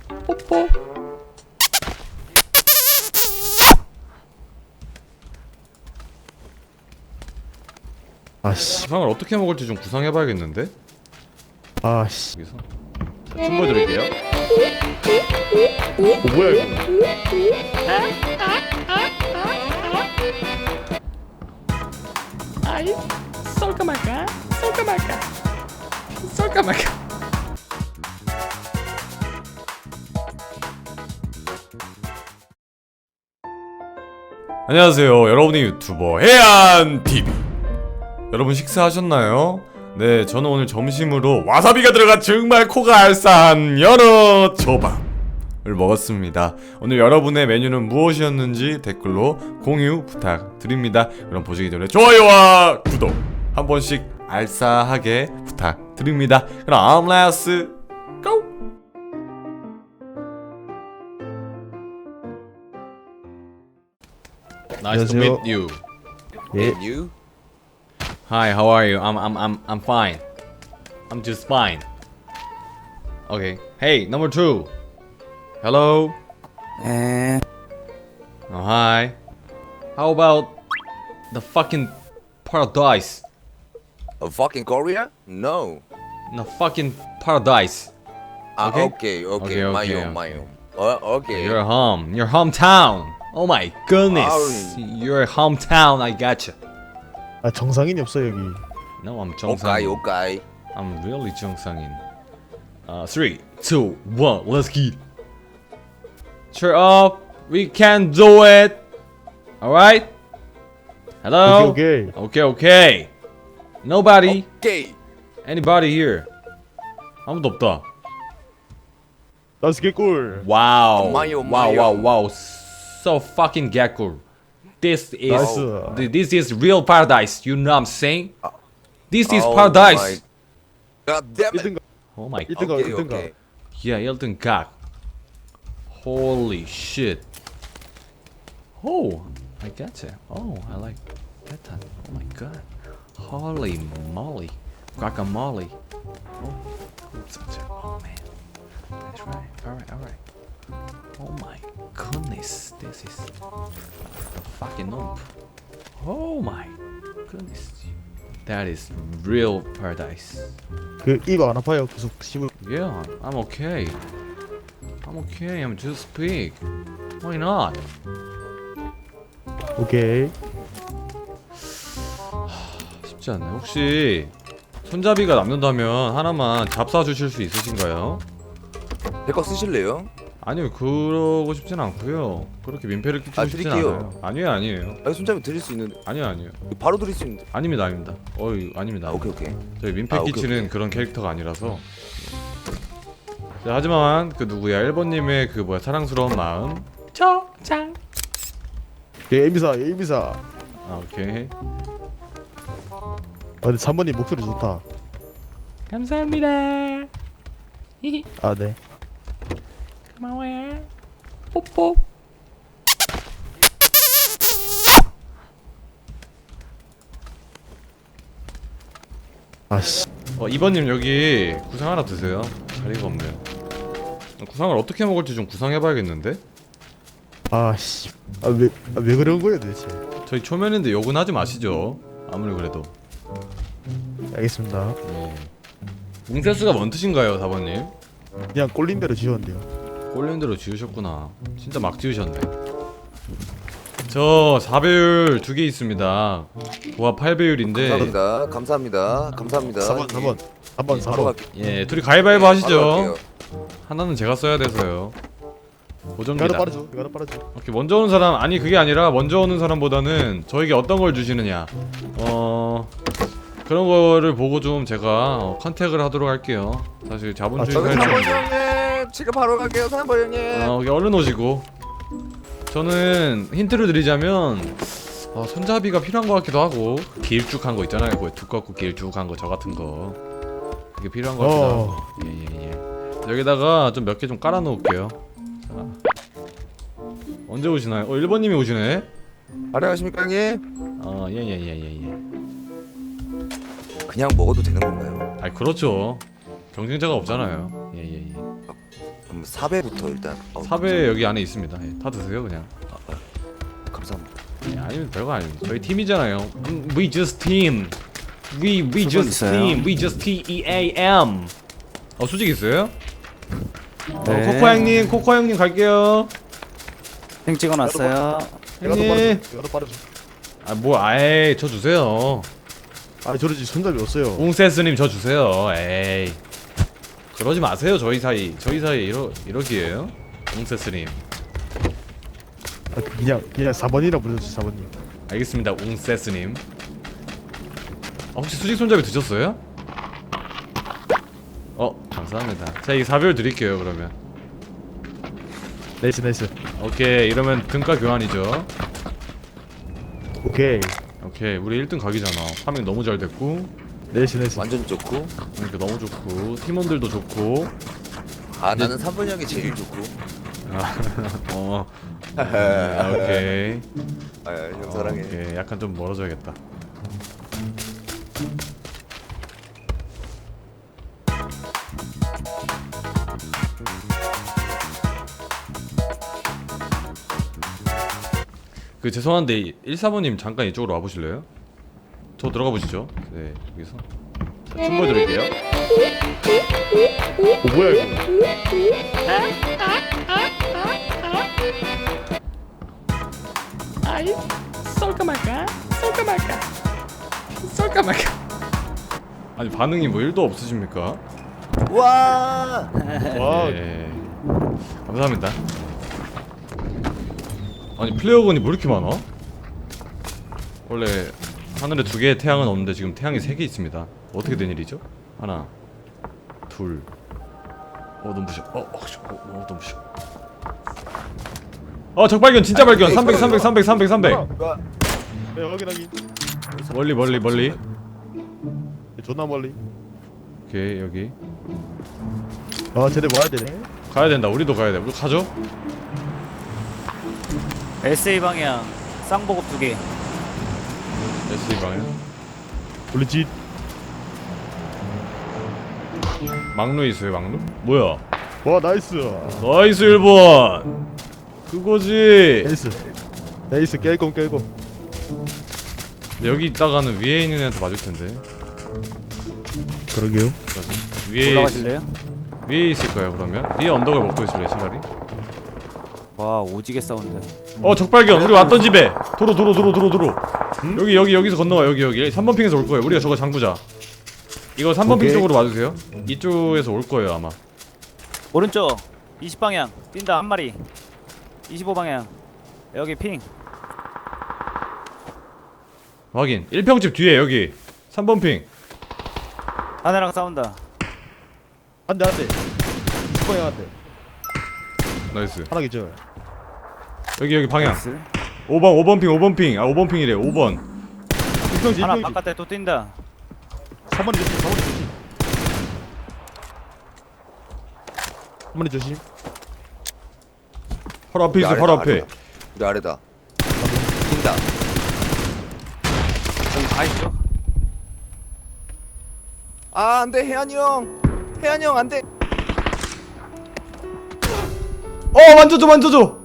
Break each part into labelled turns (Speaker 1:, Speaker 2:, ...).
Speaker 1: 뽀뽀.
Speaker 2: 아씨.
Speaker 1: 구상을 어떻게 먹을지 좀 구상해봐야겠는데?
Speaker 2: 아씨.
Speaker 1: 여기서 자, 춤 보여드릴게요.
Speaker 2: 뭐야 이거?
Speaker 1: 아이, 쏠까 말까? 쏠까 말까? 쏠까 말까? 안녕하세요. 여러분의 유튜버 해안TV. 여러분 식사하셨나요? 네, 저는 오늘 점심으로 와사비가 들어간 정말 코가 알싸한 연어 초밥을 먹었습니다. 오늘 여러분의 메뉴는 무엇이었는지 댓글로 공유 부탁드립니다. 그럼 보시기 전에 좋아요와 구독 한 번씩 알싸하게 부탁드립니다. 그럼 let's go! Nice to meet you.
Speaker 2: 예.
Speaker 3: And you?
Speaker 1: Hi, how are you? I'm fine. I'm just fine. Okay. Hey, number 2. Hello.
Speaker 3: Eh.
Speaker 1: Oh, hi. How about the fucking paradise?
Speaker 3: Fucking Korea? No.
Speaker 1: The fucking paradise. Okay.
Speaker 3: Okay,
Speaker 1: Okay,
Speaker 3: my
Speaker 1: okay,
Speaker 3: own, my
Speaker 1: okay.
Speaker 3: own. Okay.
Speaker 1: Your home, your hometown. Oh my goodness.
Speaker 3: Oh.
Speaker 1: Your hometown. I gotcha.
Speaker 2: 아 정상인이 없어 여기.
Speaker 1: No, I'm
Speaker 3: Okay,
Speaker 1: 정상인.
Speaker 3: okay.
Speaker 1: I'm really 정상인. 3, 2, 1, let's get. Cheer up, we can do it. Alright? Hello?
Speaker 2: 오케이.
Speaker 1: Okay. Nobody?
Speaker 3: Okay.
Speaker 1: Anybody here? 아무도 없다.
Speaker 2: 나스 개꿀.
Speaker 1: Wow.
Speaker 3: 마요,
Speaker 1: Wow,
Speaker 3: 마요.
Speaker 1: wow, wow. So fucking 개꿀. This is
Speaker 2: 나이스.
Speaker 1: this is real paradise. You know what I'm saying? This is
Speaker 3: Oh
Speaker 1: paradise.
Speaker 3: my- God damn it.
Speaker 2: 1등가
Speaker 1: Oh my.
Speaker 2: 1등가
Speaker 3: Okay,
Speaker 2: 1등가.
Speaker 3: okay.
Speaker 1: Yeah, 1등 각. Holy shit. Oh, I gotcha. Oh, I like that time. Oh my god. Holy moly. Guacamole. Oh, oh man. That's right. Alright. Oh my goodness. This is fucking noob. Oh my goodness. That is real paradise.
Speaker 2: 그 입 안 아파요? 계속 씹을.
Speaker 1: Yeah, I'm okay. I'm okay. I'm just big. Why not?
Speaker 2: 오케이.
Speaker 1: 쉽지 않네. 혹시 손잡이가 남는다면 하나만 잡사 주실 수 있으신가요?
Speaker 3: 제거 쓰실래요?
Speaker 1: 아니요, 그러고 싶진 않고요. 그렇게 민폐를 끼치고 싶진
Speaker 3: 드릴게요.
Speaker 1: 않아요. 아니에요.
Speaker 3: 아, 손잡이 드릴 수 있는데.
Speaker 1: 아니요.
Speaker 3: 바로 드릴 수 있는데.
Speaker 1: 아닙니다. 어이, 아닙니다.
Speaker 3: 오케이, 오케이.
Speaker 1: 저희 민폐
Speaker 3: 오케이,
Speaker 1: 끼치는
Speaker 3: 오케이.
Speaker 1: 그런 캐릭터가 아니라서. 자, 하지만 그 누구야 1번님의 그 뭐야 사랑스러운 마음. 초장.
Speaker 2: 예, 에미사.
Speaker 1: 아, 오케이.
Speaker 2: 아 근데 3번님 목소리 좋다.
Speaker 1: 감사합니다.
Speaker 2: 아 네.
Speaker 1: 고마워요. 뽀뽀.
Speaker 2: 아씨.
Speaker 1: 2번님 여기 구상 하나 드세요. 자리가 없네요. 구상을 어떻게 먹을지 좀 구상해봐야겠는데?
Speaker 2: 아씨. 아왜 그런 거예요 도대체?
Speaker 1: 저희 초면인데 욕은 하지 마시죠. 아무리 그래도.
Speaker 2: 알겠습니다.
Speaker 1: 예. 웅세스가 뭔 뜻인가요, 4번님?
Speaker 2: 그냥 꼴린 대로 지웠는데요.
Speaker 1: 꼴린 대로 지으셨구나. 진짜 막 지으셨네. 저 4배율 2개 있습니다. 고압 8배율인데
Speaker 3: 감사합니다.
Speaker 2: 4번.
Speaker 3: 바로
Speaker 2: 4번.
Speaker 3: 갈게요.
Speaker 1: 예, 둘이 가위바위보
Speaker 3: 바로
Speaker 1: 하시죠.
Speaker 3: 갈게요.
Speaker 1: 하나는 제가 써야 돼서요.
Speaker 2: 이거는
Speaker 1: 고정입니다.
Speaker 2: 빠르죠. 이거는 빠르죠.
Speaker 1: 오케이, 먼저 오는 사람, 아니 그게 아니라 먼저 오는 사람보다는 저에게 어떤 걸 주시느냐 그런 거를 보고 좀 제가 컨택을 하도록 할게요. 사실 자본주의
Speaker 3: 저는
Speaker 1: 사회는
Speaker 3: 3번 형님. 지금 바로 갈게요. 3번 형님.
Speaker 1: 여기 얼른 오시고. 저는 힌트를 드리자면 손잡이가 필요한 것 같기도 하고 길쭉한 거 있잖아요. 그 두껍고 길쭉한 거 저 같은 거 그게 필요한 것 같기도 하고. 예. 여기다가 좀 몇 개 좀 깔아 놓을게요. 자. 언제 오시나요? 1번님이 오시네.
Speaker 3: 안녕하십니까 형님?
Speaker 1: 예.
Speaker 3: 그냥 먹어도 되는 건가요?
Speaker 1: 그렇죠. 경쟁자가 없잖아요. 예.
Speaker 3: 그럼 사배부터 일단.
Speaker 1: 사배 여기 안에 있습니다. 예, 다 드세요 그냥.
Speaker 3: 감사합니다.
Speaker 1: 예, 아니면 별거 아닙니다. 저희 팀이잖아요. We just team. We just
Speaker 4: 있어요?
Speaker 1: team. We just TEAM. 수직 있어요?
Speaker 4: 네.
Speaker 1: 코코 형님, 코코 형님 갈게요.
Speaker 4: 행 찍어놨어요.
Speaker 1: 형님.
Speaker 2: 이거 빠르죠.
Speaker 1: 아예 저 주세요.
Speaker 2: 아 저러지 손잡이 없어요.
Speaker 1: 웅세스님 저 주세요. 에이. 그러지 마세요. 저희 사이 이러기에요. 웅세스님.
Speaker 2: 아, 그냥 4번이라 불러주세요. 4번님.
Speaker 1: 알겠습니다. 웅세스님. 혹시 수직 손잡이 드셨어요? 감사합니다. 자, 이 4별 드릴게요. 그러면.
Speaker 2: 나이스 나이스.
Speaker 1: 오케이. 이러면 등가 교환이죠.
Speaker 2: 오케이.
Speaker 1: 오케이. 우리 1등 각이잖아. 파밍 너무 잘 됐고.
Speaker 2: 나이스 나이스.
Speaker 3: 완전 좋고.
Speaker 1: 그러니까 너무 좋고 팀원들도 좋고.
Speaker 3: 나는 3번 형이 제일 좋고.
Speaker 1: 오케이.
Speaker 3: 형 사랑해.
Speaker 1: 오케이. 약간 좀 멀어져야겠다. 죄송한데 1사모님 잠깐 이쪽으로 와보실래요? 저 들어가 보시죠. 네, 여기서 자, 춤 보여드릴게요.
Speaker 2: 뭐야 이거?
Speaker 5: Ai, 쏠까 말까? 쏠까 말까? 쏠까 말까?
Speaker 1: 아니 반응이 뭐 1도 없으십니까?
Speaker 3: 와.
Speaker 2: 와.
Speaker 1: 네, 감사합니다. 아니 플레이어건이 뭐 이렇게 많아? 원래 하늘에 2개의 태양은 없는데 지금 태양이 3개 있습니다. 어떻게 된 일이죠? 하나, 둘. 눈부셔. 눈부셔. 적발견, 진짜 발견. 300.
Speaker 2: 네 확인하기.
Speaker 1: 멀리.
Speaker 2: 존나 멀리.
Speaker 1: 오케이, 여기.
Speaker 2: 쟤네 와야 되네.
Speaker 1: 가야 된다. 우리도 가야 돼. 우리 가죠?
Speaker 4: SA 방향 쌍보급 2개.
Speaker 1: SE 방향.
Speaker 2: 우리 집.
Speaker 1: 막루 있어요, 막루? 뭐야?
Speaker 2: 와 나이스.
Speaker 1: 나이스 1번. 그거지.
Speaker 2: 나이스 깰꼼.
Speaker 1: 근데 여기 있다가는 위에 있는 애한테 맞을 텐데.
Speaker 2: 그러게요.
Speaker 4: 올라가실래요?
Speaker 1: 위에 있을 거야 그러면. 위에 언덕을 먹고 있을래 차라리.
Speaker 4: 와 오지게 싸운다.
Speaker 1: 적발견. 우리 왔던 집에. 도로. 여기서 건너와. 여기 3번 핑에서 올 거예요. 우리가 저거 잠그자. 이거 3번 핑
Speaker 2: 오케이.
Speaker 1: 쪽으로 와주세요. 이쪽에서 올 거예요 아마.
Speaker 4: 오른쪽 20방향 뛴다 한 마리. 25방향 여기 핑.
Speaker 1: 확인. 1평집 뒤에 여기 3번 핑.
Speaker 4: 하나랑 싸운다.
Speaker 2: 한대. 20방향 한대.
Speaker 1: 나이스.
Speaker 2: 하나 기절.
Speaker 1: 여기 방향.
Speaker 4: 나이스.
Speaker 1: 5번 핑. 5번 핑이래. 5번.
Speaker 2: 입병지.
Speaker 4: 하나 바깥에 또 뛴다.
Speaker 2: 3번이 조심. 3번이 조심.
Speaker 1: 바로 앞에 있어. 바로 앞에.
Speaker 3: 우리 아래다. 뛴다.
Speaker 4: 여기 다 있죠?
Speaker 3: 안돼 혜안이 형. 안돼.
Speaker 1: 만져줘.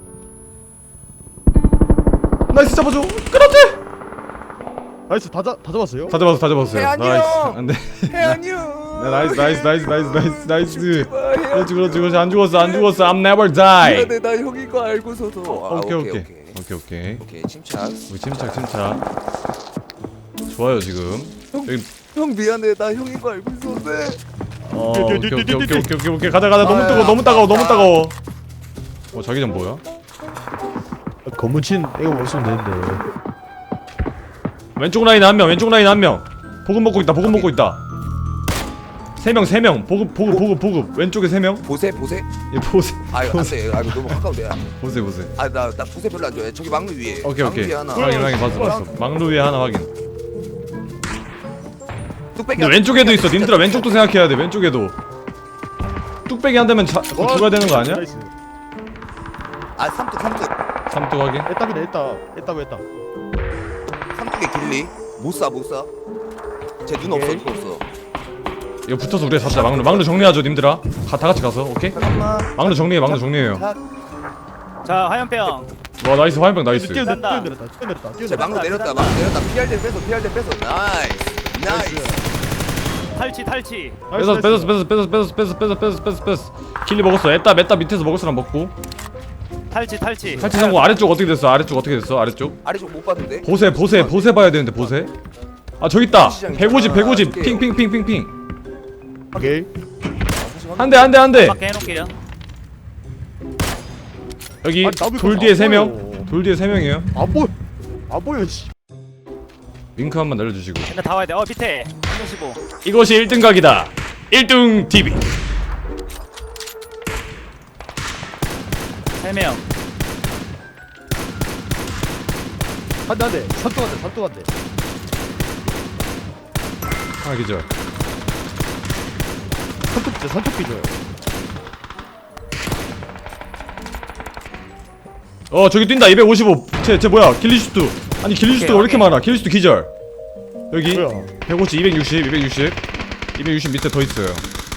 Speaker 1: 나이스 잡아줘. 그렇지.
Speaker 2: 나이스 다 잡았어요?
Speaker 1: 다 잡았어요.
Speaker 3: 혜안이
Speaker 1: 나이스.
Speaker 3: 형!
Speaker 1: 안돼.
Speaker 3: 혜안이 형.
Speaker 1: 나이스. 그렇지. 안 죽었어. I'm never die.
Speaker 3: 미안해 나 형인 거 알고서도.
Speaker 1: 오케이.
Speaker 3: 오케이 침착.
Speaker 1: 우리 침착. 좋아요 지금. 여기
Speaker 3: 형 미안해 나 형인 거 알고 있었는데.
Speaker 1: 오케이. 가자. 너무 따가워. 자기장 뭐야?
Speaker 2: 검문친 이거 먹으면 되는데.
Speaker 1: 왼쪽 라인 한 명. 보급 먹고 있다. 3명. 보급. 왼쪽에 3명.
Speaker 3: 보세.
Speaker 1: 예, 보세.
Speaker 3: 안돼. 이거 너무 가까운데.
Speaker 1: 보세.
Speaker 3: 나 보세 별로 안 좋아해. 저기 막루 위에.
Speaker 1: 오케이.
Speaker 3: 막루 위에 하나.
Speaker 1: 확인. 봤어. 막루 위에 하나 확인.
Speaker 3: 뚝배기.
Speaker 1: 근데 왼쪽에도 있어. 님들아 왼쪽도 생각해야 돼. 왼쪽에도. 뚝배기 한 대면 죽어야 되는 거 아니야?
Speaker 2: 나이스.
Speaker 3: 삼뚝.
Speaker 1: 삼뚝 확인.
Speaker 2: 애답이네 애답.
Speaker 3: 삼뚝에 길리. 못 쏴. 쟤 눈 없어.
Speaker 1: 이거 붙어서 우리가 잡자. 막루 정리하죠 님들아. 다 같이 가서 오케이?
Speaker 3: 잠깐만.
Speaker 1: 막루 정리해요.
Speaker 4: 자 화염병.
Speaker 1: 와 나이스 화염병 나이스.
Speaker 4: 싼다.
Speaker 3: 자
Speaker 2: 뛰어내렸다.
Speaker 3: 막루 내렸다. 막루 내렸다. PRD 뺏어. 나이스.
Speaker 4: 탈취.
Speaker 1: 뺐어. 킬리 먹었어. 에따 밑에서 먹을 사람 먹고.
Speaker 4: 탈취.
Speaker 1: 탈취 성공. 아래쪽 어떻게 됐어? 아래쪽
Speaker 3: 아래쪽 못 봤는데.
Speaker 1: 보세 봐야 되는데 보세. 아 저기 있다. 150 핑.
Speaker 2: 오케이.
Speaker 1: 한 대.
Speaker 4: 밖에 해놓을게요.
Speaker 1: 여기
Speaker 2: 아니, 나도
Speaker 1: 돌
Speaker 2: 이거
Speaker 1: 뒤에
Speaker 2: 안
Speaker 1: 3명.
Speaker 2: 보여.
Speaker 1: 돌 뒤에 3명이에요.
Speaker 2: 안 보여 씨.
Speaker 1: 링크 한번 날려주시고.
Speaker 4: 근데 다 와야 돼. 밑에 115.
Speaker 1: 이것이 1등 각이다. 1등 TV.
Speaker 4: 3명.
Speaker 2: 한대. 산또 한대.
Speaker 1: 하나 기절.
Speaker 2: 산토끼 줘요.
Speaker 1: 저기 뛴다. 255. 쟤 뭐야? 길리슈트. 아니 길리슈트가 왜 이렇게 많아? 길리슈트 기절. 여기
Speaker 2: 뭐야?
Speaker 1: 150, 260 밑에 더 있어요.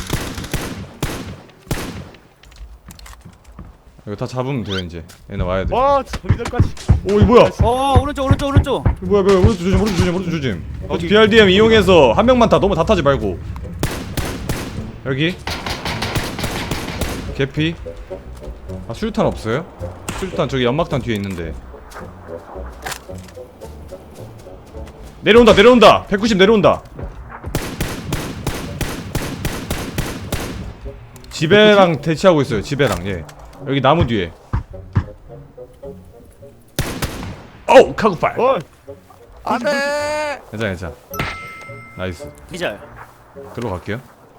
Speaker 1: 이거 다 잡으면 돼요 이제. 얘네 와야 돼.
Speaker 2: 와 저기들까지.
Speaker 1: 오 이거 뭐야?
Speaker 4: 오른쪽.
Speaker 1: 이거 뭐야? 오른쪽 조심.
Speaker 2: 여기.
Speaker 1: BRDM 이용해서 한 명만 너무 다 타지 말고. 여기 개피. 아 수류탄 없어요? 수류탄 저기 연막탄 뒤에 있는데. 내려온다. 190 내려온다. 지배랑 대치하고 있어요. 지배랑 예. 여기 나무 뒤에. 오 카구팔.
Speaker 3: 안돼.
Speaker 1: 괜찮아. 나이스.
Speaker 4: 기절.
Speaker 1: 들어갈게요.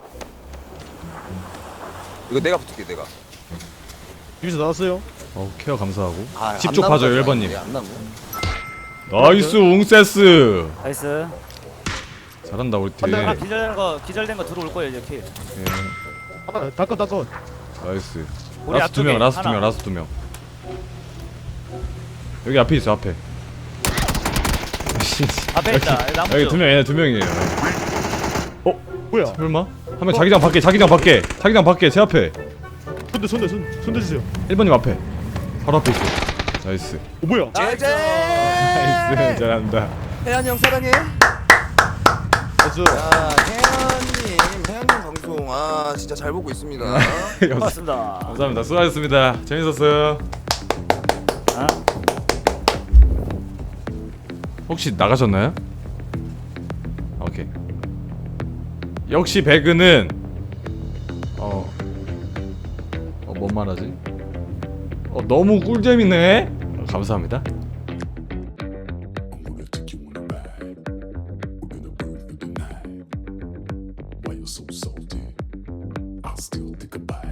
Speaker 3: 이거 내가 붙을게 내가.
Speaker 2: 여기서 나왔어요.
Speaker 1: 케어 감사하고.
Speaker 3: 아,
Speaker 1: 집 쪽
Speaker 3: 안
Speaker 1: 봐줘요
Speaker 3: 남은
Speaker 1: 1번님.
Speaker 3: 거야, 안 남은.
Speaker 1: 나이스 웅세스.
Speaker 4: 나이스.
Speaker 1: 잘한다 우리 팀.
Speaker 4: 하나 기절된 거 들어올 거예요 이제 킬.
Speaker 1: 예.
Speaker 2: 하나 닦아.
Speaker 1: 나이스.
Speaker 4: 우리
Speaker 1: 라스트
Speaker 4: 앞쪽에
Speaker 1: 2명.
Speaker 4: 하나.
Speaker 1: 라스트 2명. 여기 앞에 있어 앞에.
Speaker 4: 앞에 있다. 나무
Speaker 1: 여기
Speaker 4: 쪽.
Speaker 1: 2명 얘네 2명이에요.
Speaker 2: 뭐야?
Speaker 1: 설마? 한 명 자기장 밖에 제 앞에.
Speaker 2: 손 주세요.
Speaker 1: 1번님 앞에. 바로 앞에 있어. 나이스.
Speaker 2: 뭐야?
Speaker 3: 제제.
Speaker 1: 나이스. 잘한다.
Speaker 3: 혜연이 형 사랑해.
Speaker 2: 나이스.
Speaker 3: 혜연님 방송 진짜 잘 보고 있습니다.
Speaker 4: 고맙습니다.
Speaker 1: 감사합니다. 수고하셨습니다. 재밌었어요.
Speaker 4: 아?
Speaker 1: 혹시 나가셨나요? 오케이. 역시 배그는 뭔 말하지? 너무 꿀잼이네. 감사합니다.
Speaker 6: I'm gonna take you on a ride. We're gonna burn through the night. Why you're so salty? I'll still think about